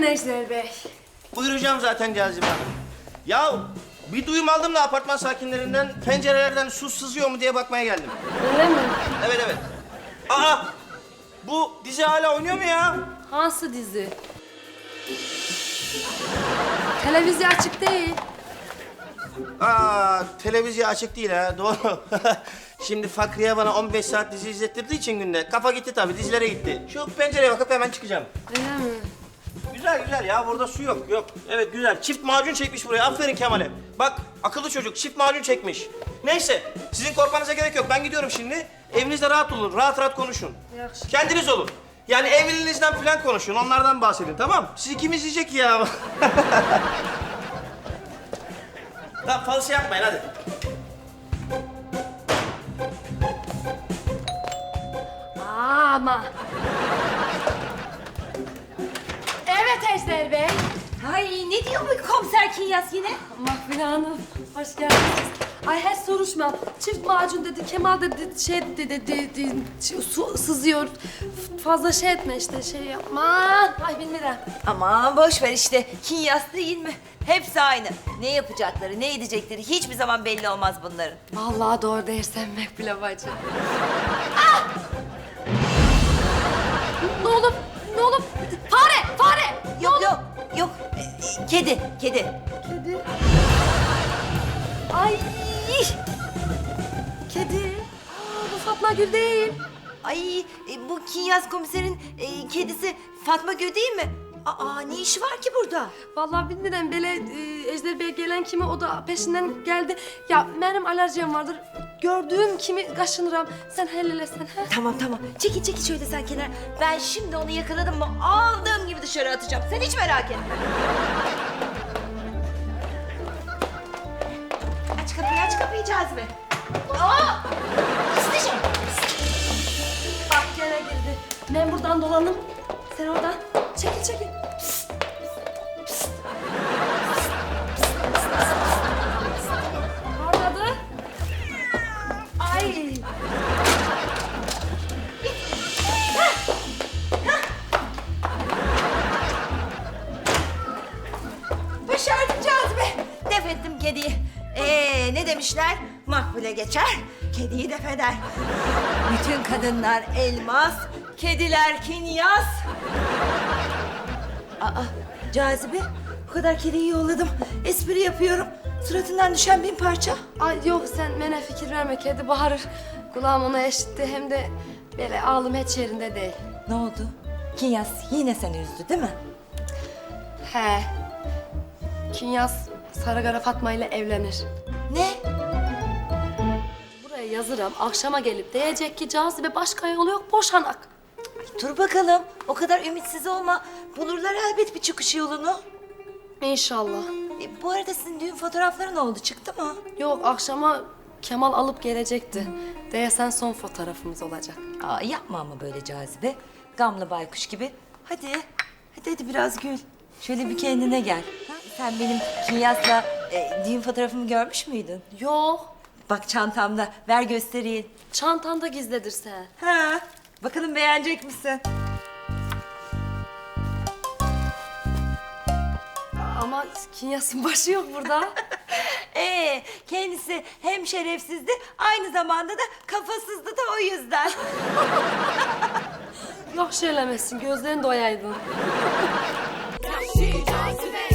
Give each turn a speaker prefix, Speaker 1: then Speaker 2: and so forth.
Speaker 1: Ejder Bey.
Speaker 2: Buyuracağım zaten Cazibe Hanım. Ya bir duyum aldım da apartman sakinlerinden pencerelerden su sızıyor mu diye bakmaya geldim.
Speaker 1: Öyle mi?
Speaker 2: Evet evet. Aa! Bu dizi hala oynuyor mu ya?
Speaker 1: Hansı dizi? Televizyon açık değil.
Speaker 2: Aa, televizyon açık değil ha, doğru. Şimdi Fakriye bana 15 saat dizi izlettirdiği için günde kafa gitti tabii, dizilere gitti. Şu pencereye bakıp hemen çıkacağım.
Speaker 1: Öyle mi?
Speaker 2: Güzel güzel ya, burada su yok, yok. Evet güzel, çift macun çekmiş buraya, aferin Kemal'e. Bak, akıllı çocuk, çift macun çekmiş. Neyse, sizin korkmanıza gerek yok, ben gidiyorum şimdi. Evinizde rahat olun, rahat rahat konuşun.
Speaker 1: Yaxşı.
Speaker 2: Kendiniz olun. Yani evliliğinizden falan konuşun, onlardan bahsedin, tamam? Sizi kim izleyecek ya? Tamam, fazla şey yapmayın, hadi.
Speaker 1: Ama. Evet Ejder Bey.
Speaker 3: Ay ne diyor bu komiser Kinyas yine?
Speaker 1: Mahfile Hanım, hoş geldiniz. Ay hiç soruşma. Çift macun dedi, Kemal dedi, şey dedi, su sızıyor. Fazla şey etme işte, şey yapma. Ay bilmiyorum.
Speaker 3: Aman boş ver işte. Kinyas değil mi? Hepsi aynı. Ne yapacakları, ne edecekleri hiçbir zaman belli olmaz bunların.
Speaker 1: Vallahi doğru dersen Mahfile bacı. Ne olup, ne olup? Fare, fare!
Speaker 3: Yok yok yok. Kedi, kedi.
Speaker 1: Kedi. Ay! Kedi. Aa, bu Fatma Gül değil.
Speaker 3: Ay bu Kinyas komiserin kedisi Fatma Gül değil mi? Aa ne işi var ki burada?
Speaker 1: Vallahi bilmiyorum böyle Ejder Bey gelen kimi o da peşinden geldi. Ya benim alerjim vardır. Gördüğüm kimi kaşınırım. Sen hellelesin ha?
Speaker 3: Tamam tamam. Çekil çekil şöyle sen kenar. Ben şimdi onu yakaladım mı aldığım gibi dışarı atacağım. Sen hiç merak etme. Aç kapıyı Cazibe. Aa! İsteyeceğim.
Speaker 1: Bak gene girdi. Ben buradan dolanım. Sen oradan. Çekil çekil. Orada. Ay.
Speaker 3: Başardım Cazibe. Def ettim kediyi. Ne demişler? Makbule geçer, kediyi def eder. Bütün kadınlar elmas, kediler kinyas. Aa, Cazibe, bu kadar kediyi yolladım. Espri yapıyorum. Suratından düşen bin parça.
Speaker 1: Ay yok sen bana fikir verme. Kedi bağırır. Kulağım ona eşitti. Hem de böyle ağlım hiç yerinde değil.
Speaker 3: Ne oldu? Kinyas yine seni üzdü değil mi?
Speaker 1: He. Kinyas Sarıkara Fatma ile evlenir.
Speaker 3: Ne?
Speaker 1: Buraya yazırım. Akşama gelip diyecek ki Cazibe başka yolu yok boşanak.
Speaker 3: Dur bakalım. O kadar ümitsiz olma. Bulurlar elbet bir çıkış yolunu.
Speaker 1: İnşallah.
Speaker 3: Bu arada sizin düğün fotoğrafları ne oldu? Çıktı mı?
Speaker 1: Yok akşama Kemal alıp gelecekti. Değesen son fotoğrafımız olacak.
Speaker 3: Aa, yapma ama böyle Cazibe. Gamlı baykuş gibi. Hadi. Hadi biraz gül. Şöyle bir kendine gel. Ha, sen benim Kinyas'la düğün fotoğrafımı görmüş müydün?
Speaker 1: Yok.
Speaker 3: Bak çantamda. Ver göstereyim.
Speaker 1: Çantanda gizledir sen.
Speaker 3: Ha, bakalım beğenecek misin?
Speaker 1: Ama Kinyas'ın başı yok burada.
Speaker 3: Kendisi hem şerefsizdi, aynı zamanda da kafasızdı da o yüzden.
Speaker 1: Yok söylemesin gözlerin doyaydın.
Speaker 4: Yahşi cazibe